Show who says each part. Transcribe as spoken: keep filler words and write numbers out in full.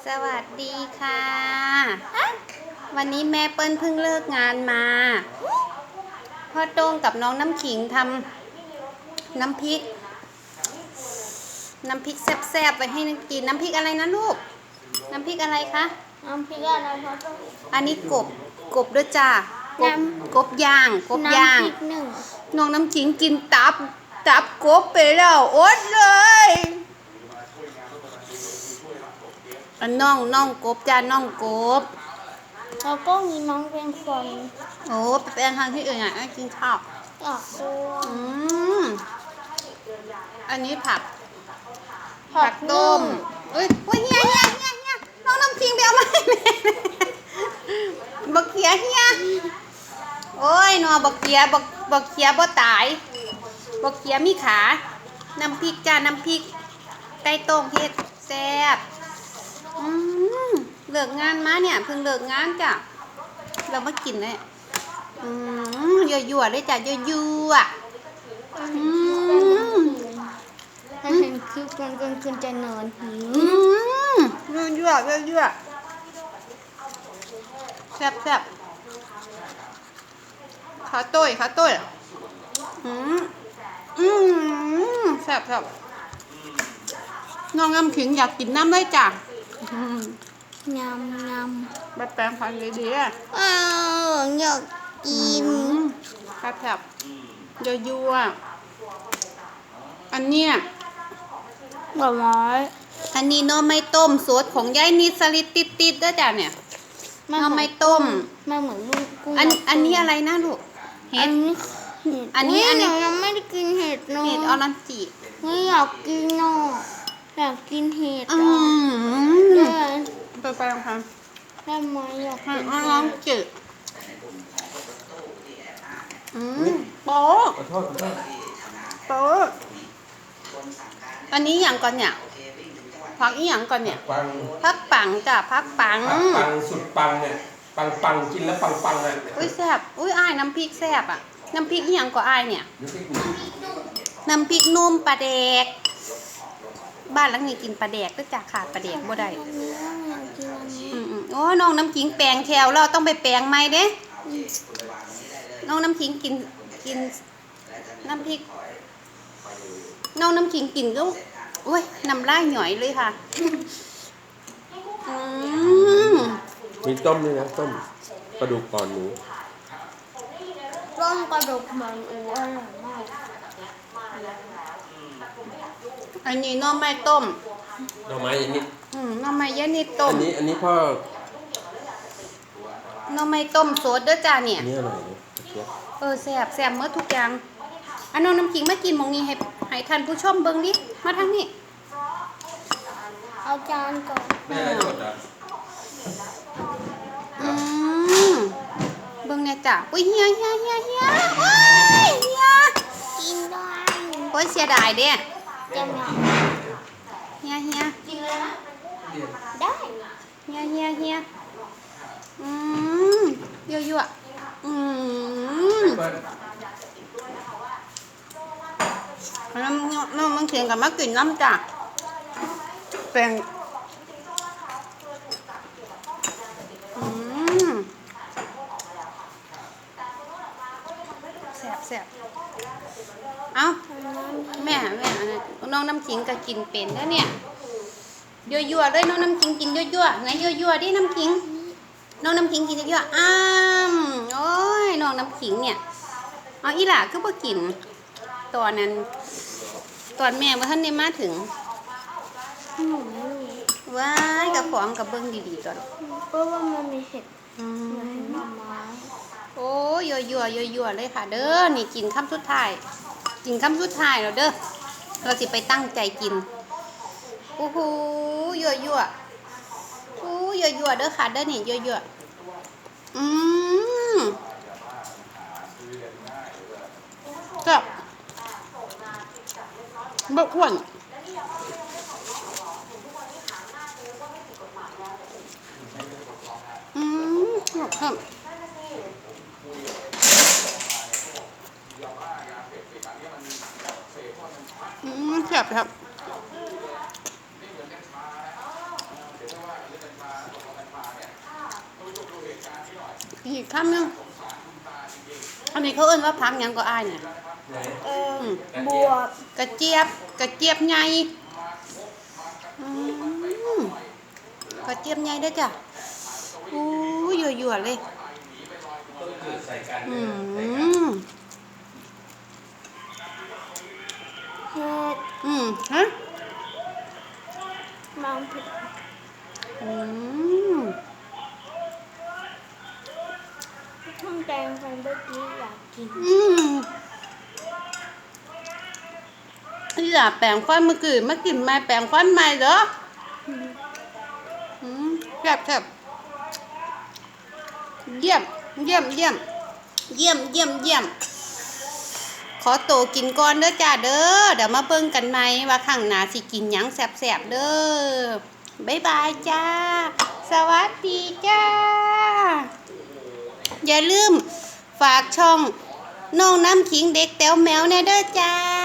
Speaker 1: สวัสดีค่ะ วันนี้แม่เปิ้ลเพิ่งเลิกงานมาพ่อโต้งกับน้องน้ำขิงทำน้ำพริกน้ำพริกแซ่บๆไปให้กินน้ำพริกอะไรนะลูกน้ำพริกอะไรคะ
Speaker 2: น้ำพริกอะไรคะ
Speaker 1: อันนี้กบกบด้วยจ้ากบกบย่างกบย่างน้องน้ำขิงกินตับตับกบไปแล้วอดเลยอันน้องน้องกบจ้าน้องกบ
Speaker 2: แล้วก็มีน้องเป็นคน
Speaker 1: โอ้ไปเป็นทางที่อื่นอ่ะกินข้าว
Speaker 2: อยากตัว
Speaker 1: อืมอันนี้ผักผักต้มเอ้ยเฮ้ยเฮียเฮียเฮียเฮียน้องน้ำขิงไปเอามาให้แม่บักเขียเฮียโอ้ยนอบักเขียบักบักเขียบ่ตายบักเขียมีขาน้ำพริกจ้าน้ำพริกไก่ต้มเฮ็ดแซ่บอืมเลิกงานมาเนี่ยเพิ่งเลิกงานจ้ะเรามากินเลยอืมยั่วๆเลยจ้ะยั่วๆอืม
Speaker 2: ถ้าเห็นคลิปกันกันคุณจะนอนหิว
Speaker 1: อืมยั่วๆยั่วๆแซ่บๆขาต้ยขาต้ยอืมอืมแซ่บๆน้องน้ำขิงอยากกินน้ำได้จ้ะ
Speaker 2: ยำยำ
Speaker 1: แบบแปลงพันธุ์ดีๆอ่ะ
Speaker 2: อ้าวอยากกิน
Speaker 1: แซ่บๆยั่วๆอันเนี้ย
Speaker 2: ดอกไม้
Speaker 1: อันนี้น้อไม้ต้มสดของยายนิดสลิดติดๆด้วยจ้ะเนี่ยน้อไม้ต้ม
Speaker 2: มันเหมือนลูกกุ้ง
Speaker 1: อันอันนี้อะไรนะลูกเห็ด
Speaker 2: อันนี้อันนี้ยังไม่ได้กินเห็ดเนาะ
Speaker 1: เห็ดออรันจิ
Speaker 2: ไม่อยากกินเนาะอยากกินเห็ดอ่ะ
Speaker 1: ไปไปลองท
Speaker 2: ำได้ไหมอยากกิน
Speaker 1: ลองจืดอืมโป๊ะโป๊ะอันนี้อย่างก่อนเนี่ยพักอีหยังก่อนเนี่ยพักปังจ้ะพักปัง
Speaker 3: ปังสุดปังเนี่ยปังปังกินแล้วปังปังเลย
Speaker 1: อุ้ยแซ่บอุ้ยอ้ายน้ำพริกแซ่บอ่ะน้ำพริกอีหยังก็อ้ายเนี่ยน้ำพริกนุ่มปลาแดกบ้านหลังนี้กินปลาแดกก็จะขาดปลาแดกบ่ได้อืมโอ้น้องน้ำขิงแปลงแถวเราต้องไปแปลงใหม่เด้น้องน้ำขิงกินกินน้ำพริกน้องน้ำขิงกินก็โอ้ยน้ำลายหน่อยเลยค่ะ
Speaker 3: มีต้มด้วยนะต้มกระดูกอ่อนหมู
Speaker 2: ต้มกระดูกมันอูอร่อยมาก
Speaker 1: อันนี้น้องไม้ต้ม
Speaker 3: หน่อไม้ยันนิด
Speaker 1: อืมน้องไม้ยันนิดต้ม
Speaker 3: อันนี้อันนี้พ่อ
Speaker 1: น้องไม้ต้มสดเด้อจ้าเนี่ย
Speaker 3: นี่อร่อยนะ
Speaker 1: เออแซ่บแซ่บเมื่อทุกอย่างอันน้องน้ำขิงมากินมองนี้ให้ให้ท่านผู้ชมเบิ่งดิมาทางนี้
Speaker 2: เอาจานก่อน
Speaker 3: แม่กดอ่ะ
Speaker 1: อืมเบิ่งเนี่ยจ้ะอุ้ยเฮียเฮียเฮียเฮียโอ้ยเฮีย
Speaker 2: กินได้
Speaker 1: โอ้ยเสียดายเด้
Speaker 2: จะมา
Speaker 1: เฮียเฮีย
Speaker 2: กินเลยนะได้
Speaker 1: เฮียเฮียเฮียอืมยั่วยั่วอืมน้ำน้ำมันเขียนกับมะกลิ่นน้ำจ้ะเป็นอืมแซ่บแซ่บเอ้าแม่แม่น้องน้ำขิงก็กินเป็นแล้วเนี่ยยั่วยั่วเลยน้องน้ำขิงกินยั่วยั่วไหนยั่วยั่วดิน้ำขิงน้องน้ำขิงกินยั่วยั่วอ้ามโอ้ยน้องน้ำขิงเนี่ยเอาอีหล่าก็บ่กินตอนนั้นตอนแม่ว่าท่านได้มาถึงว้ายกับของกับเบิ้งดีๆก่อน
Speaker 2: เพราะว่ามันมีเห็ดเหมือนหน่อไม้
Speaker 1: โอ้ยยั่วยั่วยั่วยั่วเลยค่ะเด้อนี่กินคำสุดท้ายกินคำสุดท้ายแล้วเด้อเราสิไปตั้งใจกินโอ้โหยั่วยั่วโอ้ยยั่วยั่วเด้อค่ะเด้อนี่ยั่วยั่วอืมก็บกวนอืมครับอืมแซ่บครับอีกคำหนึงอันนี้เขาเอิ้นว่าพักหยังก็อ้ายเนี่ย
Speaker 3: ไหน
Speaker 2: เออ
Speaker 1: อืม
Speaker 2: บวบ
Speaker 1: กระเจี๊ยบกระเจี๊ยบใหญ่อืมกระเจี๊ยบใหญ่เด้อจ้ะอู้ยยั่วๆเลย
Speaker 3: ต้องเกิดใส่กัน
Speaker 1: อื
Speaker 3: ใส่กัน
Speaker 1: ม
Speaker 2: เห็ด
Speaker 1: อืมฮะ
Speaker 2: มังผิด
Speaker 1: อืม
Speaker 2: ช่องแดงฟันเมื่อกี้อยากกิน
Speaker 1: อืมนี่ล่ะแปลงฟันเมื่อกี้มากินใหม่แปลงฟันใหม่เหรออืมแซ่บแซ่บเยี่ยมเยี่ยมเยี่ยมเยี่ยมเยี่ยมเยี่ยมขอโตวกินก่อนเด้อจ้าเด้อเดี๋ยวมาเบิ่งกันใหม่ว่าข้างหน้าสิกินหยังแซ่บๆเด้อบ๊ายบายจ้าสวัสดีจ้าอย่าลืมฝากช่องน้องน้ำขิงเด็กแต๋วแมวแน่เด้อจ้า